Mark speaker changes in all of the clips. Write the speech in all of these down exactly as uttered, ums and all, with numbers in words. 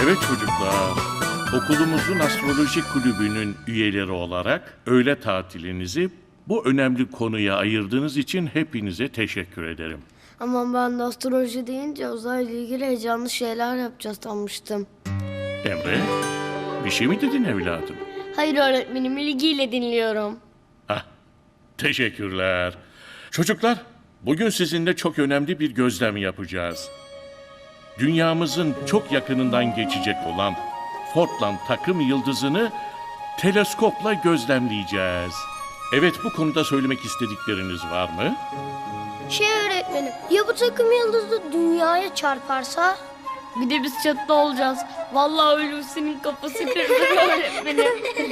Speaker 1: Evet çocuklar, okulumuzun astroloji kulübünün üyeleri olarak öğle tatilinizi bu önemli konuya ayırdığınız için hepinize teşekkür ederim.
Speaker 2: Ama ben de astroloji deyince uzayla ilgili heyecanlı şeyler yapacağız sanmıştım.
Speaker 1: Emre, bir şey mi dedin evladım?
Speaker 2: Hayır öğretmenim, ilgiyle dinliyorum.
Speaker 1: Hah, teşekkürler. Çocuklar, bugün sizinle çok önemli bir gözlem yapacağız. Dünyamızın çok yakınından geçecek olan Fortland takım yıldızını teleskopla gözlemleyeceğiz. Evet, bu konuda söylemek istedikleriniz var mı?
Speaker 2: Şey öğretmenim, ya bu takım yıldızı dünyaya çarparsa? Bir de biz çatıda olacağız. Vallahi Hulusi'nin kafası kırılır öğretmenim.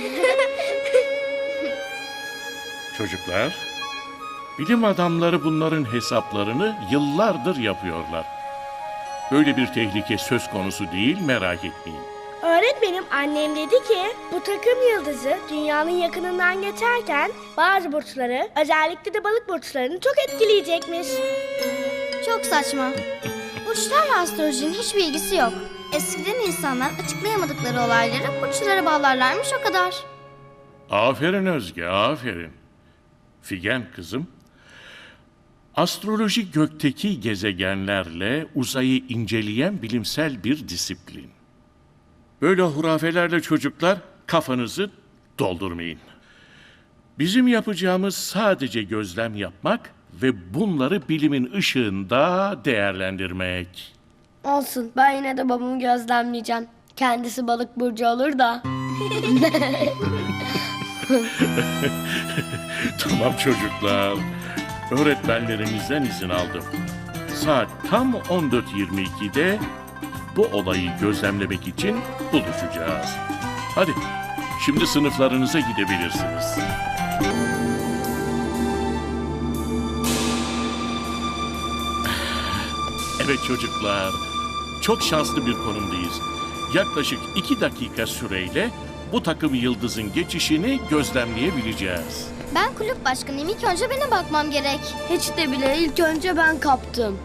Speaker 1: Çocuklar, bilim adamları bunların hesaplarını yıllardır yapıyorlar. Böyle bir tehlike söz konusu değil, merak etmeyin.
Speaker 3: Öğretmenim, annem dedi ki bu takım yıldızı dünyanın yakınından geçerken bazı burçları, özellikle de balık burçlarını çok etkileyecekmiş.
Speaker 4: Çok saçma. Burçlarla astrolojinin hiçbir ilgisi yok. Eskiden insanlar açıklayamadıkları olayları burçlara bağlarlarmış o kadar.
Speaker 1: Aferin Özge, aferin. Figen kızım, astroloji gökteki gezegenlerle uzayı inceleyen bilimsel bir disiplin. Böyle hurafelerle çocuklar kafanızı doldurmayın. Bizim yapacağımız sadece gözlem yapmak ve bunları bilimin ışığında değerlendirmek.
Speaker 2: Olsun, ben yine de babamı gözlemleyeceğim. Kendisi balık burcu olur da.
Speaker 1: Tamam çocuklar, öğretmenlerimizden izin aldım. Saat tam on dört yirmi ikide bu olayı gözlemlemek için buluşacağız. Hadi, şimdi sınıflarınıza gidebilirsiniz. Evet çocuklar, çok şanslı bir konumdayız. Yaklaşık iki dakika süreyle bu takım yıldızın geçişini gözlemleyebileceğiz.
Speaker 4: Ben kulüp başkanıyım. İlk önce benim bakmam gerek.
Speaker 2: Hiç de bile ilk önce ben kaptım.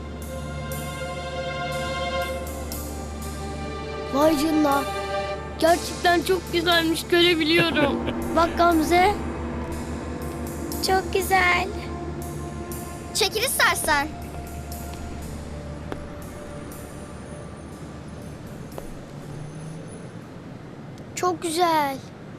Speaker 2: Vay canına. Gerçekten çok güzelmiş, görebiliyorum. Bak Gamze.
Speaker 3: Çok güzel.
Speaker 4: Çekil istersen.
Speaker 2: Çok güzel.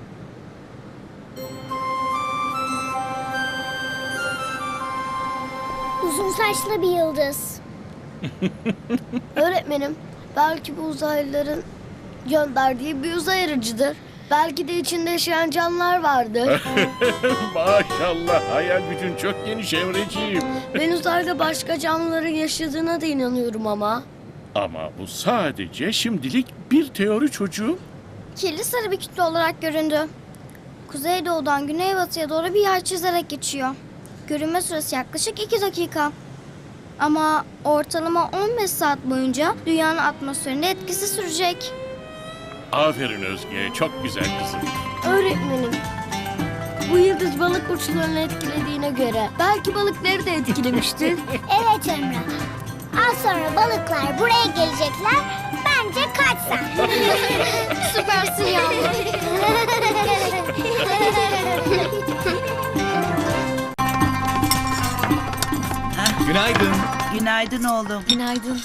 Speaker 3: Uzun saçlı bir yıldız.
Speaker 2: Öğretmenim, belki bu uzaylıların gönderdiği bir uzay aracıdır. Belki de içinde yaşayan canlılar vardır.
Speaker 1: Maşallah, hayal gücün çok geniş Emreciğim.
Speaker 2: Ben uzayda başka canlıların yaşadığına da inanıyorum ama.
Speaker 1: Ama bu sadece şimdilik bir teori çocuğum.
Speaker 4: Kirli sarı bir kütle olarak göründü. Kuzeydoğudan güneybatıya doğru bir yay çizerek geçiyor. Görünme süresi yaklaşık iki dakika. Ama ortalama on beş saat boyunca dünyanın atmosferinde etkisi sürecek.
Speaker 1: Aferin Özge, çok güzel kızım.
Speaker 2: Öğretmenim, bu yıldız balık burçlarını etkilediğine göre belki balıkları da etkilemiştir.
Speaker 3: Evet Emre. Az sonra balıklar buraya gelecekler. Bence kaç sen.
Speaker 4: Süpersin yavrum.
Speaker 5: Günaydın.
Speaker 6: Günaydın oğlum.
Speaker 2: Günaydın.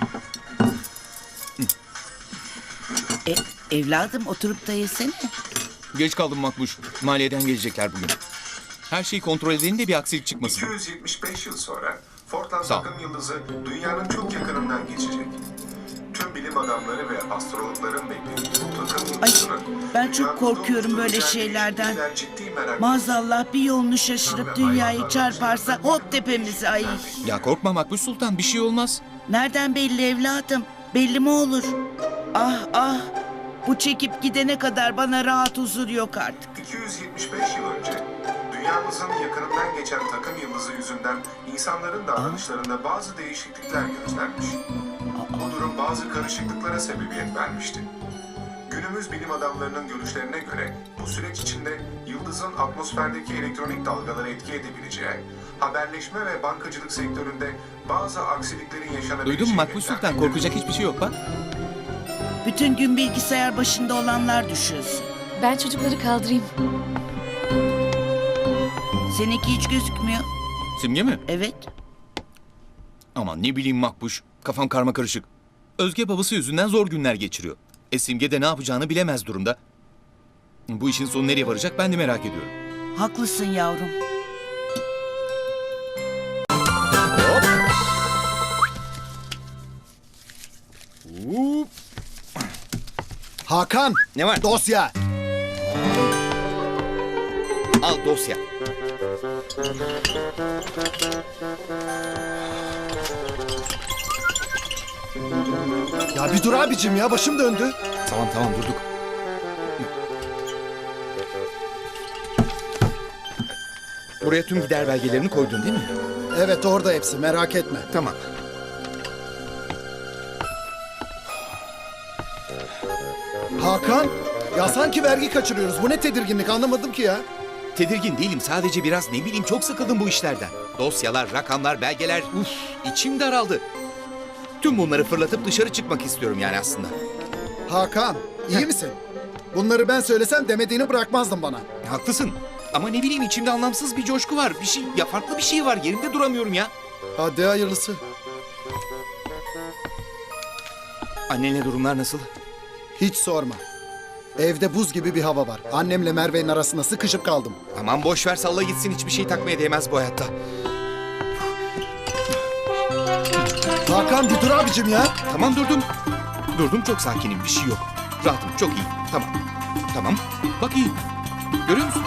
Speaker 6: E, evladım oturup da yesene.
Speaker 5: Geç kaldım Makbuş. Maliyeden gelecekler bugün. Her şeyi kontrol edelim de bir aksilik çıkmasın.
Speaker 7: iki yüz yetmiş beş yıl sonra Fortland
Speaker 5: Sağ ol.
Speaker 7: takım yıldızı dünyanın çok yakınından geçecek. Tüm bilim adamları ve astrologların beklediği bu takım yıldızının...
Speaker 6: ben çok
Speaker 7: dünyamızda
Speaker 6: korkuyorum
Speaker 7: olduğu
Speaker 6: böyle
Speaker 7: özel
Speaker 6: şeylerden.
Speaker 7: değişiklikler ciddi merak
Speaker 6: Maazallah bir yolunu şaşırıp dünyayı çarparsa hop tepemize ay.
Speaker 5: Ya korkma Makbuş Sultan, bir şey olmaz.
Speaker 6: Nereden belli evladım? Belli mi olur? Ah ah. Bu çekip gidene kadar bana rahat huzur yok artık.
Speaker 7: iki yüz yetmiş beş yıl önce dünyamızın yakınından geçen takım yıldızı yüzünden insanların davranışlarında bazı değişiklikler gözlenmiş. Bu durum bazı karışıklıklara sebebiyet vermişti. Günümüz bilim adamlarının görüşlerine göre bu süreç içinde yıldızın atmosferdeki elektronik dalgaları etki edebileceği, haberleşme ve bankacılık sektöründe bazı aksiliklerin yaşanabileceği...
Speaker 5: Duydun mu Makbuş Sultan? Korkacak hiçbir şey yok bak.
Speaker 6: Bütün gün bilgisayar başında olanlar düşünsün.
Speaker 8: Ben çocukları kaldırayım.
Speaker 6: Seninki hiç gözükmüyor.
Speaker 5: Simge mi?
Speaker 6: Evet.
Speaker 5: Aman ne bileyim Makbuş. Kafam karma karışık. Özge babası yüzünden zor günler geçiriyor. E Simge de ne yapacağını bilemez durumda. Bu işin sonu nereye varacak ben de merak ediyorum.
Speaker 6: Haklısın yavrum.
Speaker 9: Hakan,
Speaker 5: Ne var?
Speaker 9: dosya.
Speaker 5: Al dosya.
Speaker 9: Ya bir dur abicim ya, başım döndü.
Speaker 5: Tamam tamam durduk. Buraya tüm gider belgelerini koydun değil mi?
Speaker 9: Evet, orada hepsi, merak etme.
Speaker 5: Tamam.
Speaker 9: Hakan, ya sanki vergi kaçırıyoruz. Bu ne tedirginlik, anlamadım ki ya.
Speaker 5: Tedirgin değilim. Sadece biraz ne bileyim çok sıkıldım bu işlerden. Dosyalar, rakamlar, belgeler. Uf, içim daraldı. Tüm bunları fırlatıp dışarı çıkmak istiyorum yani aslında.
Speaker 9: Hakan, iyi misin? Bunları ben söylesem demediğini bırakmazdın bana.
Speaker 5: Haklısın. Ama ne bileyim içimde anlamsız bir coşku var. Bir şey, ya farklı bir şey var. Yerimde duramıyorum ya.
Speaker 9: Hadi hayırlısı.
Speaker 5: Annenle durumlar nasıl?
Speaker 9: Hiç sorma. Evde buz gibi bir hava var. Annemle Merve'nin arasında sıkışıp kaldım.
Speaker 5: Aman boş ver salla gitsin. Hiçbir şey takmaya değmez bu hayatta.
Speaker 9: Hakan bir dur abicim ya.
Speaker 5: Tamam durdum. Durdum çok sakinim. Bir şey yok. Rahatım. Çok iyi. Tamam. Tamam. Bak iyi. Görüyor musun?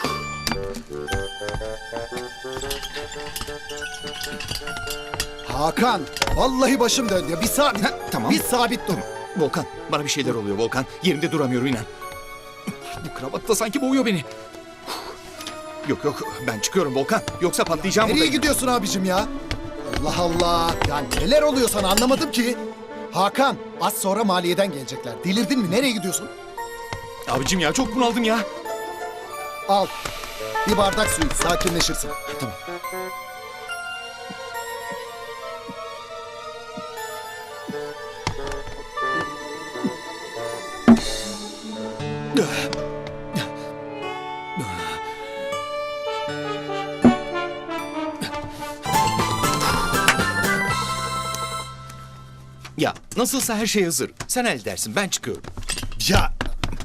Speaker 9: Hakan, vallahi başım döndü ya. Bir sabit,
Speaker 5: Ha, tamam.
Speaker 9: bir sabit dur.
Speaker 5: Volkan. Bana bir şeyler oluyor Volkan. Yerimde duramıyorum inan. Bu kravat da sanki boğuyor beni. Yok yok ben çıkıyorum Volkan. Yoksa patlayacağım
Speaker 9: Nereye
Speaker 5: burada.
Speaker 9: gidiyorsun abicim ya? Allah Allah. Ya neler oluyor sana anlamadım ki. Hakan, az sonra maliyeden gelecekler. Delirdin mi? Nereye gidiyorsun?
Speaker 5: Abicim ya çok bunaldım ya.
Speaker 9: Al. Bir bardak su iç, sakinleşirsin.
Speaker 5: Tamam. Ya nasılsa her şey hazır. Sen halledersin ben çıkıyorum.
Speaker 9: Ya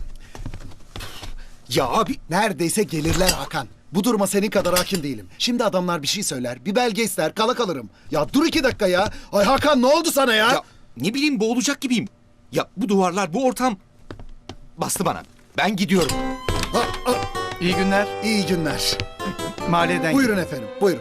Speaker 5: Ya abi
Speaker 9: neredeyse gelirler Hakan. Bu duruma senin kadar hakim değilim. Şimdi adamlar bir şey söyler, bir belge ister, kala kalırım. Ya dur iki dakika ya. Ay Hakan ne oldu sana ya?
Speaker 5: ya ne bileyim boğulacak gibiyim. Ya bu duvarlar bu ortam bastı bana. Ben gidiyorum.
Speaker 9: Ha, ha,
Speaker 10: İyi günler.
Speaker 9: İyi günler.
Speaker 10: Mahalleden
Speaker 9: Buyurun efendim, buyurun.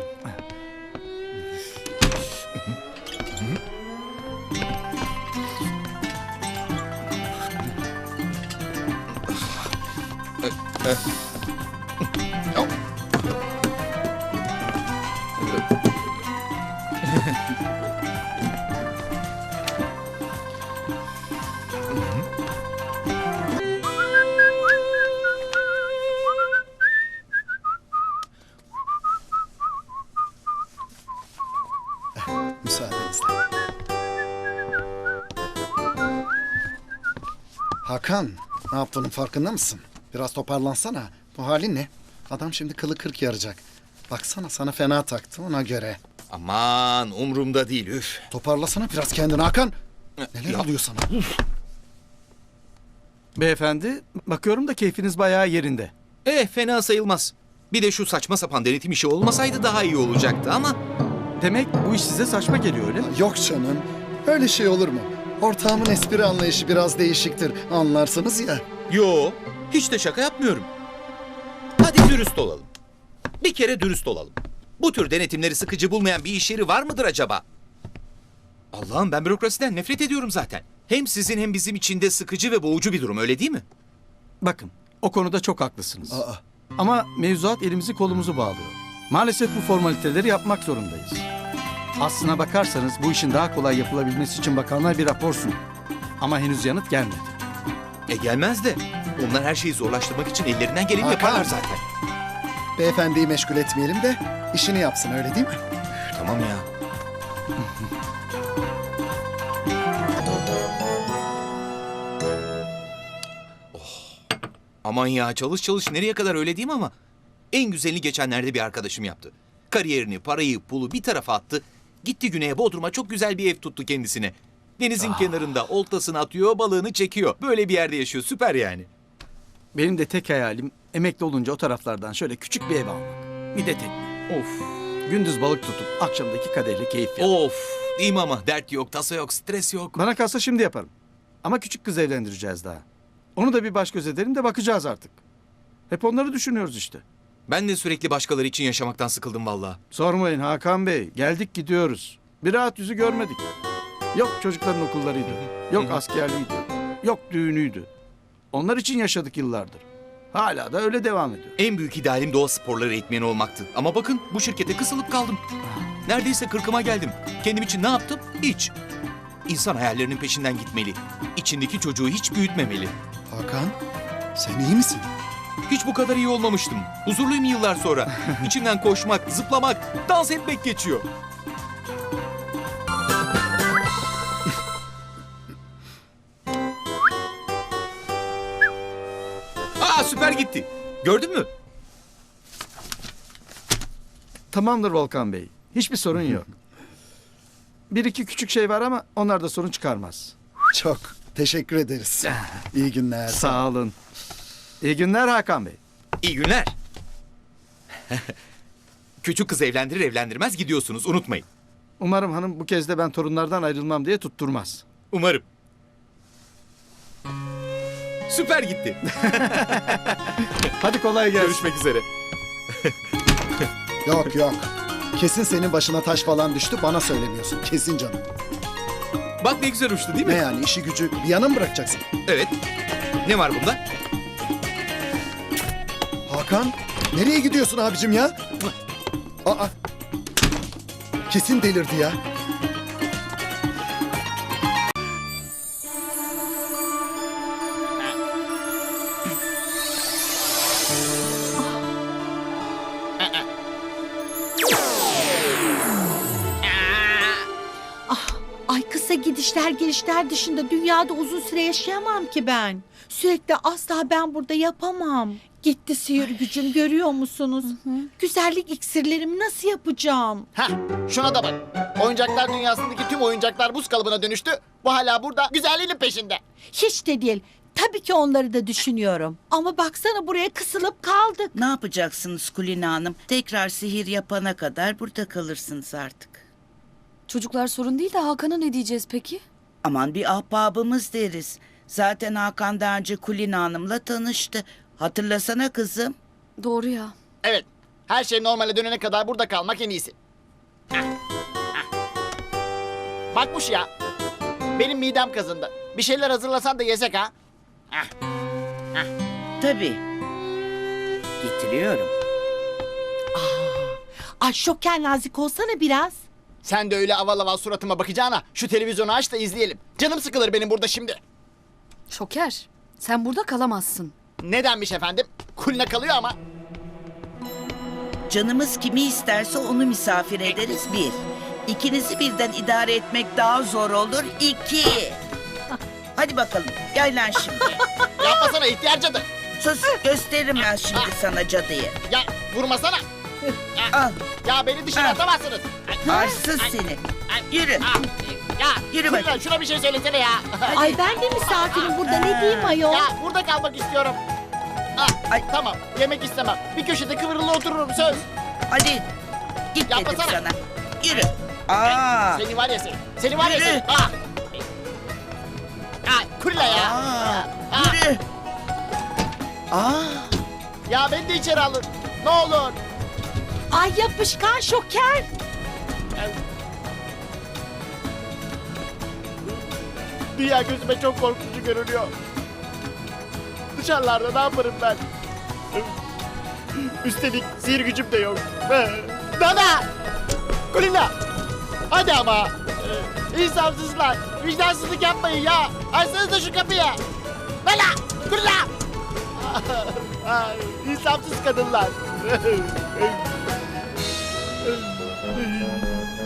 Speaker 9: Müsaadenizle. Hakan, ne yaptığının farkında mısın? Biraz toparlansana. Bu halin ne? Adam şimdi kılı kırk yaracak. Baksana sana fena taktı ona göre.
Speaker 5: Aman umurumda değil üf.
Speaker 9: Toparlasana biraz kendini Hakan. Neler
Speaker 5: Ya.
Speaker 9: oluyor sana?
Speaker 10: Beyefendi, bakıyorum da keyfiniz bayağı yerinde.
Speaker 5: Eh fena sayılmaz. Bir de şu saçma sapan denetim işi olmasaydı daha iyi olacaktı ama...
Speaker 10: Demek bu iş size saçma geliyor öyle mi?
Speaker 9: Yok canım. Öyle şey olur mu? Ortağımın espri anlayışı biraz değişiktir. Anlarsınız ya.
Speaker 5: Yo, hiç de şaka yapmıyorum. Hadi dürüst olalım. Bir kere dürüst olalım. Bu tür denetimleri sıkıcı bulmayan bir iş yeri var mıdır acaba? Allah'ım ben bürokrasiden nefret ediyorum zaten. Hem sizin hem bizim için de sıkıcı ve boğucu bir durum öyle değil mi?
Speaker 10: Bakın, o konuda çok haklısınız.
Speaker 9: Aa,
Speaker 10: Ama mevzuat elimizi kolumuzu bağlıyor. Maalesef bu formaliteleri yapmak zorundayız. Aslına bakarsanız bu işin daha kolay yapılabilmesi için bakanlar bir rapor sundu. Ama henüz yanıt gelmedi.
Speaker 5: E gelmez de. Onlar her şeyi zorlaştırmak için ellerinden geleni
Speaker 9: Hakan.
Speaker 5: yaparlar zaten.
Speaker 9: beyefendiyi meşgul etmeyelim de işini yapsın öyle değil mi?
Speaker 5: Tamam ya. Aman ya çalış çalış nereye kadar öyle diyeyim ama en güzelini geçenlerde bir arkadaşım yaptı. Kariyerini, parayı, pulu bir tarafa attı. Gitti güneye Bodrum'a çok güzel bir ev tuttu kendisine. Denizin kenarında oltasını atıyor, balığını çekiyor. Böyle bir yerde yaşıyor. Süper yani.
Speaker 10: Benim de tek hayalim emekli olunca o taraflardan şöyle küçük bir ev almak. Bir de tekne.
Speaker 5: Of.
Speaker 10: Gündüz balık tutup akşamdaki kadehle keyif yapmak.
Speaker 5: Of. Değil mi ama? Dert yok, tasa yok, stres yok.
Speaker 10: Bana kalsa şimdi yaparım. Ama küçük kız evlendireceğiz daha. Onu da bir baş göz edelim de bakacağız artık. Hep onları düşünüyoruz işte.
Speaker 5: Ben de sürekli başkaları için yaşamaktan sıkıldım vallahi.
Speaker 10: Sormayın Hakan Bey. Geldik gidiyoruz. Bir rahat yüzü görmedik. Yok çocukların okullarıydı. Yok askerliğiydi. Yok düğünüydü. Onlar için yaşadık yıllardır. Hala da öyle devam ediyor.
Speaker 5: En büyük idealim doğa sporları eğitmeni olmaktı. Ama bakın bu şirkete kısılıp kaldım. Neredeyse kırkıma geldim. Kendim için ne yaptım? Hiç. İnsan hayallerinin peşinden gitmeli. İçindeki çocuğu hiç büyütmemeli.
Speaker 9: Hakan, sen iyi misin?
Speaker 5: Hiç bu kadar iyi olmamıştım. Huzurluyum yıllar sonra. İçimden koşmak, zıplamak, dans etmek geçiyor. Aa süper gitti. Gördün mü?
Speaker 10: Tamamdır Volkan Bey. Hiçbir sorun yok. Bir iki küçük şey var ama onlar da sorun çıkarmaz.
Speaker 9: Çok teşekkür ederiz. İyi günler.
Speaker 10: Sağ olun. İyi günler Hakan Bey.
Speaker 5: İyi günler. Küçük kız evlendirir evlendirmez gidiyorsunuz unutmayın.
Speaker 10: Umarım hanım bu kez de ben torunlardan ayrılmam diye tutturmaz.
Speaker 5: Umarım. Süper gitti.
Speaker 10: Hadi kolay gelsin.
Speaker 5: Görüşmek üzere.
Speaker 9: Yok yok. Kesin senin başına taş falan düştü, bana söylemiyorsun. Kesin canım.
Speaker 5: Bak ne güzel uçtu değil mi?
Speaker 9: Ne yani, işi gücü bir yana mı bırakacaksın?
Speaker 5: Evet. Ne var bunda?
Speaker 9: Hakan, nereye gidiyorsun abicim ya? Aa. Kesin delirdi ya.
Speaker 8: Ay kısa gidişler gelişler dışında dünyada uzun süre yaşayamam ki ben. Sürekli asla ben burada yapamam. Gitti sihir gücüm görüyor musunuz? Güzellik iksirlerimi nasıl yapacağım?
Speaker 11: Heh, şuna da bak. Oyuncaklar dünyasındaki tüm oyuncaklar buz kalıbına dönüştü. Bu hala burada güzelliğinin peşinde.
Speaker 8: Hiç de değil. Tabii ki onları da düşünüyorum. Ama baksana buraya kısılıp kaldık.
Speaker 6: Ne yapacaksınız Kulina Hanım? Tekrar sihir yapana kadar burada kalırsınız artık.
Speaker 12: Çocuklar sorun değil de Hakan'a ne diyeceğiz peki?
Speaker 6: Aman bir ahbabımız deriz. Zaten Hakan daha önce Kulina Hanım'la tanıştı. Hatırlasana kızım.
Speaker 12: Doğru ya.
Speaker 11: Evet, her şey normale dönene kadar burada kalmak en iyisi. Heh, heh. Bakmış ya. Benim midem kazındı. Bir şeyler hazırlasan da yesek ha. Heh.
Speaker 6: Tabii. Getiriyorum.
Speaker 8: Ay şoker nazik olsana biraz.
Speaker 11: Sen de öyle aval aval suratıma bakacağına şu televizyonu aç da izleyelim. Canım sıkılır benim burada şimdi.
Speaker 12: Şoker, sen burada kalamazsın.
Speaker 11: Nedenmiş efendim? Kulina kalıyor ama.
Speaker 6: Canımız kimi isterse onu misafir ederiz bir. İkinizi birden idare etmek daha zor olur iki. Hadi bakalım gel lan şimdi.
Speaker 11: Yapmasana ihtiyar cadı.
Speaker 6: Sus gösteririm ben şimdi sana cadıyı.
Speaker 11: Ya vurmasana.
Speaker 6: Al
Speaker 11: Ya beni dışarı
Speaker 6: Ah.
Speaker 11: atamazsınız.
Speaker 6: arsız seni. Yürü.
Speaker 11: Ah, Ya
Speaker 6: Yürü
Speaker 11: Kulina,
Speaker 6: bakayım.
Speaker 11: şuna bir şey söylesene ya.
Speaker 8: Ay ben de misafirim burada ne diyeyim ayol?
Speaker 11: Ya burada kalmak istiyorum. Ah,
Speaker 6: Ay.
Speaker 11: Tamam yemek istemem. Bir köşede kıvrılı otururum söz.
Speaker 6: Hadi git dedim
Speaker 11: Yapmasana.
Speaker 6: sana. Yürü. Aa.
Speaker 11: Seni var ya seni. Seni var ya
Speaker 6: Yürü.
Speaker 11: seni. Ah. Ah, Kulina ya.
Speaker 6: Aa.
Speaker 11: Ah.
Speaker 6: Yürü. Aa.
Speaker 11: Ya beni de içeri alın. Ne olur.
Speaker 8: Ay yapışkan şoker.
Speaker 11: Dünya gözüme çok korkutucu görünüyor. Dışarılarda ne yaparım ben? Üstelik sihir gücüm de yok. Dada! Kulina! Hadi ama! Ee, İnsafsızlar! Vicdansızlık yapmayın ya! Açsanıza şu kapıyı! Dada! Kulina! Ah, İnsafsız kadınlar!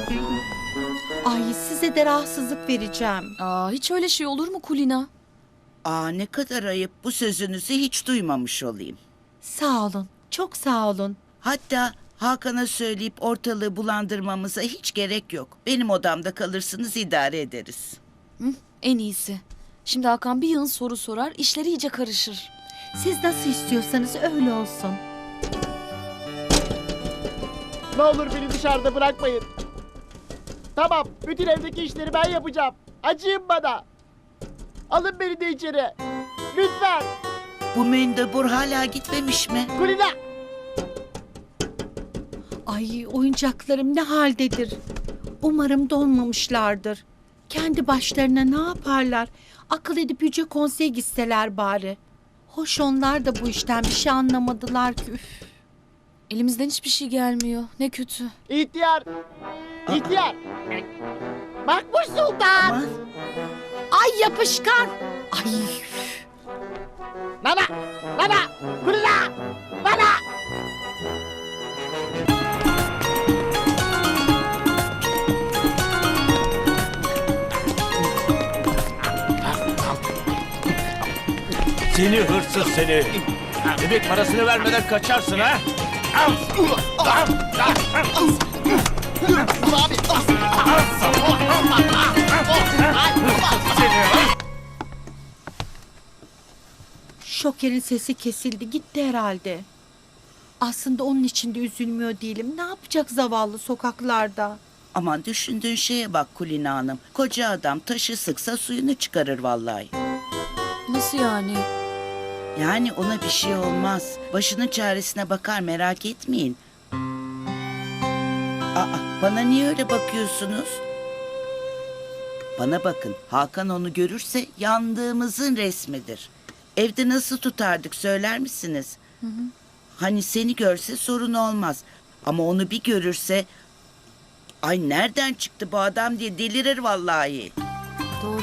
Speaker 8: Ay size de rahatsızlık vereceğim.
Speaker 12: Aa, hiç öyle şey olur mu Kulina?
Speaker 6: Aa, ne kadar ayıp, bu sözünüzü hiç duymamış olayım.
Speaker 8: Sağ olun. Çok sağ olun.
Speaker 6: Hatta Hakan'a söyleyip ortalığı bulandırmamıza hiç gerek yok. Benim odamda kalırsınız, idare ederiz.
Speaker 12: Hı, en iyisi. Şimdi Hakan bir yığın soru sorar, işleri iyice karışır.
Speaker 8: Siz nasıl istiyorsanız öyle olsun.
Speaker 11: Ne olur beni dışarıda bırakmayın. Tamam, bütün evdeki işleri ben yapacağım. Acıyın bana. Alın beni de içeri. Lütfen.
Speaker 6: Bu mendebur hala gitmemiş mi?
Speaker 11: Kulina.
Speaker 8: Ay oyuncaklarım ne haldedir. Umarım donmamışlardır. Kendi başlarına ne yaparlar? Akıl edip Yüce Konsey'e gitseler bari. Hoş onlar da bu işten bir şey anlamadılar ki. Üf.
Speaker 12: Elimizden hiçbir şey gelmiyor. Ne kötü.
Speaker 11: İhtiyar. İhtiyar. Makbuş Sultan.
Speaker 6: Aman.
Speaker 8: Ay yapışkan. Ay.
Speaker 11: Nana. Nana. Kulina. Nana.
Speaker 13: Seni hırsız seni. Bebek parasını vermeden kaçarsın ha? Al. Al.
Speaker 11: Abi.
Speaker 8: Şoker'in sesi kesildi gitti herhalde. Aslında onun için de üzülmüyor değilim. Ne yapacak zavallı sokaklarda?
Speaker 6: Aman düşündüğün şeye bak Kulina Hanım. Koca adam taşı sıksa suyunu çıkarır vallahi.
Speaker 12: Nasıl yani?
Speaker 6: Yani ona bir şey olmaz. Başının çaresine bakar, merak etmeyin. Aa, bana niye öyle bakıyorsunuz? Bana bakın, Hakan onu görürse yandığımızın resmidir. Evde nasıl tutardık söyler misiniz?
Speaker 12: Hı hı.
Speaker 6: Hani seni görse sorun olmaz. Ama onu bir görürse... Ay nereden çıktı bu adam diye delirir vallahi.
Speaker 12: Doğru.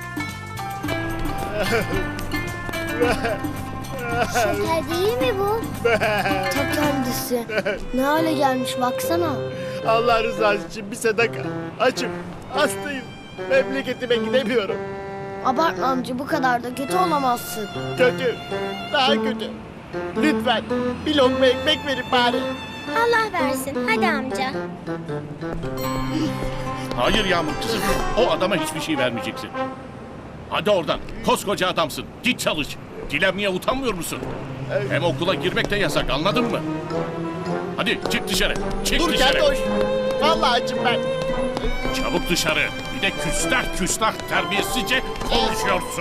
Speaker 2: Şoker değil mi bu? Ta kendisi. Ne hale gelmiş baksana.
Speaker 11: Allah rızası için bir sadaka. Açım. Hastayım. Memleketime gidemiyorum.
Speaker 2: Abartma amca bu kadar da kötü olamazsın.
Speaker 11: Kötü. Daha kötü. Lütfen bir lokma ekmek verin bari.
Speaker 3: Allah versin. Hadi amca.
Speaker 1: Hayır Yağmur kızım. O adama hiçbir şey vermeyeceksin. Hadi oradan. Koskoca adamsın. Git çalış. Dilenmeye utanmıyor musun? Hem okula girmek de yasak, anladın mı? Hadi çık dışarı. Çık
Speaker 11: Dur
Speaker 1: dışarı.
Speaker 11: Keltoş. Vallahi açım ben.
Speaker 1: Çabuk dışarı. Bir de küstah küstah terbiyesizce konuşuyorsun.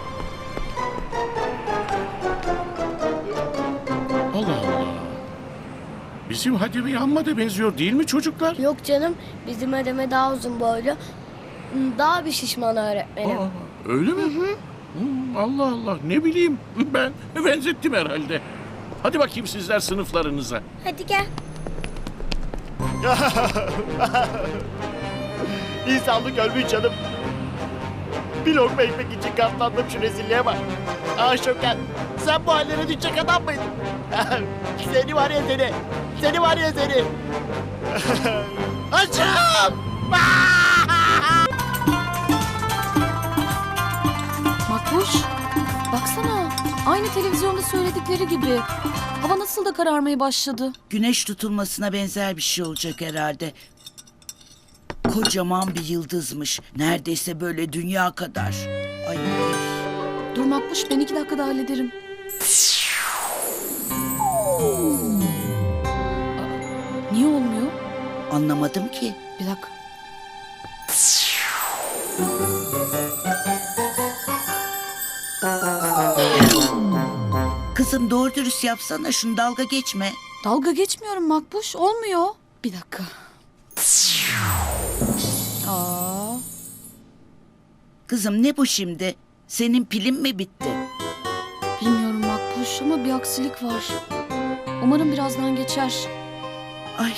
Speaker 1: Allah Allah. Bizim Hademe amma da benziyor değil mi çocuklar?
Speaker 2: Yok canım bizim Adem'e daha uzun boylu. Daha bir şişman öğretmenim.
Speaker 1: Aa, öyle mi? Hı hı. Allah Allah, ne bileyim, ben benzettim herhalde. Hadi bakayım sizler sınıflarınıza.
Speaker 3: Hadi gel.
Speaker 11: İnsanlık ölmüş canım. Bir lokma ekmek için katlandım, şu rezilliğe bak. Ah Şoker, sen bu hallere düşecek adam mıydın? Seni var ya seni. Seni var ya seni. Açım!
Speaker 12: Makbuş, baksana. Aynı televizyonda söyledikleri gibi. Hava nasıl da kararmaya başladı.
Speaker 6: Güneş tutulmasına benzer bir şey olacak herhalde. Kocaman bir yıldızmış. Neredeyse böyle dünya kadar. Ay.
Speaker 12: Dur Makbuş, ben iki dakikada hallederim. Aa, niye olmuyor?
Speaker 6: Anlamadım ki.
Speaker 12: Bir dakika.
Speaker 6: Kızım doğru dürüst yapsana, şunu dalga geçme.
Speaker 12: Dalga geçmiyorum Makbuş, olmuyor. Bir dakika. Aa.
Speaker 6: Kızım ne bu şimdi? Senin pilin mi bitti?
Speaker 12: Bilmiyorum Makbuş ama bir aksilik var. Umarım birazdan geçer.
Speaker 6: Ay.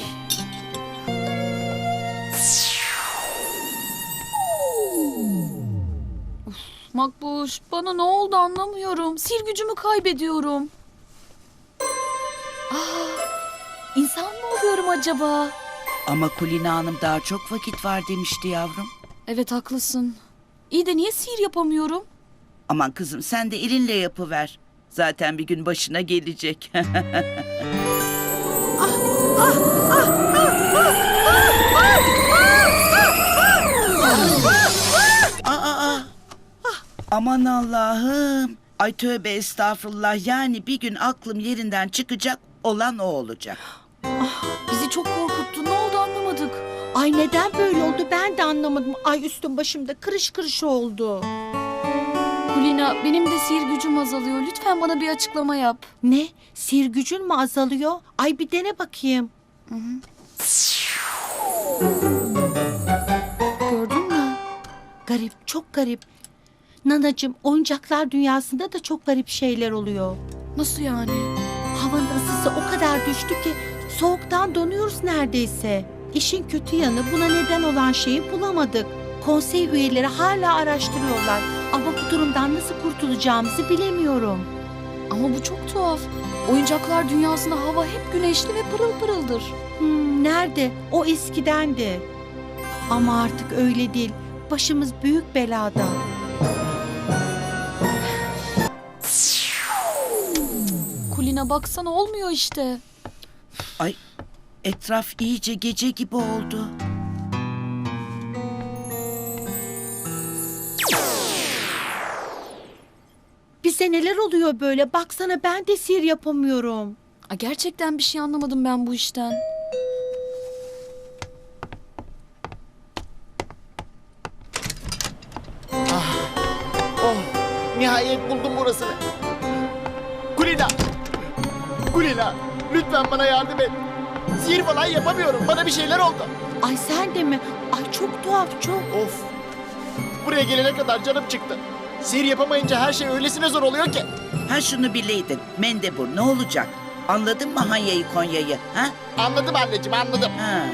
Speaker 12: Makbuş, bana ne oldu anlamıyorum. Sihir gücümü kaybediyorum. Aa, insan mı oluyorum acaba?
Speaker 6: Ama Kulina Hanım daha çok vakit var demişti yavrum.
Speaker 12: Evet haklısın. İyi de niye sihir yapamıyorum?
Speaker 6: Aman kızım sen de elinle yapıver. Zaten bir gün başına gelecek. Aa, aa. Aman Allah'ım. Ay tövbe estağfurullah. Yani bir gün aklım yerinden çıkacak, olan o olacak.
Speaker 12: Bizi çok korkuttu. Ne oldu anlamadık.
Speaker 8: Ay neden böyle oldu ben de anlamadım. Ay üstüm başımda kırış kırış oldu.
Speaker 12: Kulina, benim de sihir gücüm azalıyor. Lütfen bana bir açıklama yap.
Speaker 8: Ne? Sihir gücün mü azalıyor? Ay bir dene bakayım.
Speaker 12: Gördün mü?
Speaker 8: Garip, çok garip. Nanacığım, oyuncaklar dünyasında da çok garip şeyler oluyor.
Speaker 12: Nasıl yani?
Speaker 8: Havanın ısısı o kadar düştü ki soğuktan donuyoruz neredeyse. İşin kötü yanı buna neden olan şeyi bulamadık. Konsey üyeleri hala araştırıyorlar. Ama bu durumdan nasıl kurtulacağımızı bilemiyorum.
Speaker 12: Ama bu çok tuhaf. Oyuncaklar dünyasında hava hep güneşli ve pırıl pırıldır.
Speaker 8: Hmm, nerede? O eskidendi. Ama artık öyle değil. Başımız büyük belada.
Speaker 12: Kulina baksana olmuyor işte.
Speaker 6: Ay etraf iyice gece gibi oldu.
Speaker 8: Bize neler oluyor böyle? Baksana ben de sihir yapamıyorum.
Speaker 12: Aa, gerçekten bir şey anlamadım ben bu işten.
Speaker 11: Oh, nihayet buldum burasını. Kulina! Kulina, lütfen bana yardım et. Sihir falan yapamıyorum. Bana bir şeyler oldu.
Speaker 8: Ay sen de mi? Ay çok tuhaf çok.
Speaker 11: Of. Buraya gelene kadar canım çıktı. Sihir yapamayınca her şey öylesine zor oluyor ki.
Speaker 6: Ha şunu bileydin. Mendebur ne olacak? Anladın mı Hanya'yı Konya'yı? Ha?
Speaker 11: Anladım anneciğim, anladım.
Speaker 6: Ha.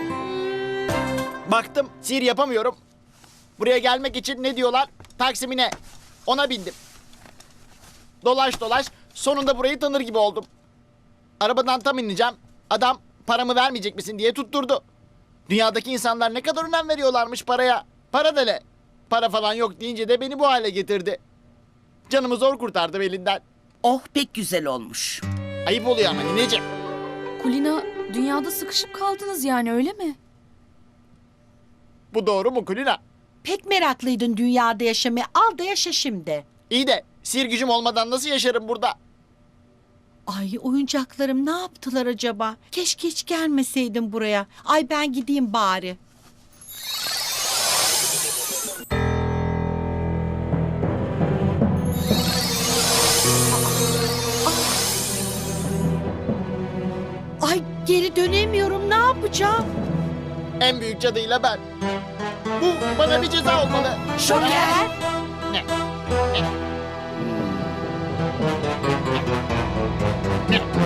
Speaker 11: Baktım sihir yapamıyorum. Buraya gelmek için ne diyorlar? Taksimine. Ona bindim. Dolaş dolaş sonunda burayı tanır gibi oldum. Arabadan tam ineceğim. Adam paramı vermeyecek misin diye tutturdu. Dünyadaki insanlar ne kadar önem veriyorlarmış paraya. Para da ne? Para falan yok deyince de beni bu hale getirdi. Canımı zor kurtardım elinden.
Speaker 6: Oh pek güzel olmuş.
Speaker 11: Ayıp oluyor ama nineciğim.
Speaker 12: Kulina, dünyada sıkışıp kaldınız yani öyle mi?
Speaker 11: Bu doğru mu Kulina?
Speaker 8: Pek meraklıydın dünyada yaşamaya. Al da yaşa şimdi.
Speaker 11: İyi de sihir gücüm olmadan nasıl yaşarım burada?
Speaker 8: Ay oyuncaklarım ne yaptılar acaba? Keşke hiç gelmeseydim buraya. Ay ben gideyim bari. Ay geri dönemiyorum. Ne yapacağım?
Speaker 11: En büyük cadıyla ben. Bu bana bir ceza olmalı.
Speaker 8: Şoker.
Speaker 11: Ne? Ne? Ne?